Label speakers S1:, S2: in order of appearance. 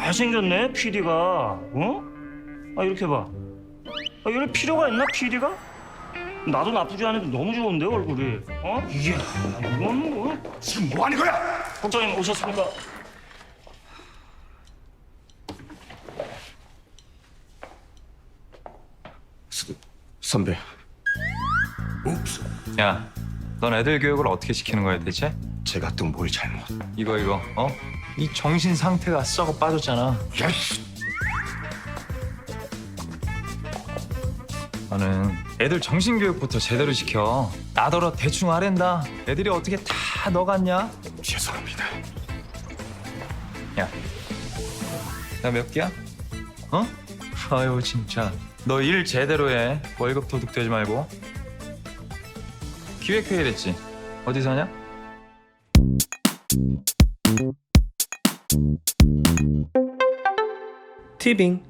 S1: 잘생겼네 PD가. 어? 아 이렇게 봐. 아 이럴 필요가 있나 PD가? 나도 나쁘지 않은데 너무 좋은데 얼굴이. 어? 이야 이건 뭐?
S2: 지금 뭐 하는 거야?
S1: 국장님 오셨습니까?
S2: 선배. 옵스.
S3: 야, 넌 애들 교육을 어떻게 시키는 거야 대체?
S2: 제가 또 뭘 잘못?
S3: 이거 어? 이 정신 상태가 썩어 빠졌잖아.
S2: 야, 씨.
S3: 너는 애들 정신 교육부터 제대로 시켜. 나더러 대충 하랜다. 애들이 어떻게 다 너 같냐?
S2: 죄송합니다.
S3: 야, 나 몇 개야? 어? 아유 진짜. 너 일 제대로 해. 월급 도둑되지 말고. 기획회의 됐지? 어디서 하냐?
S4: 티빙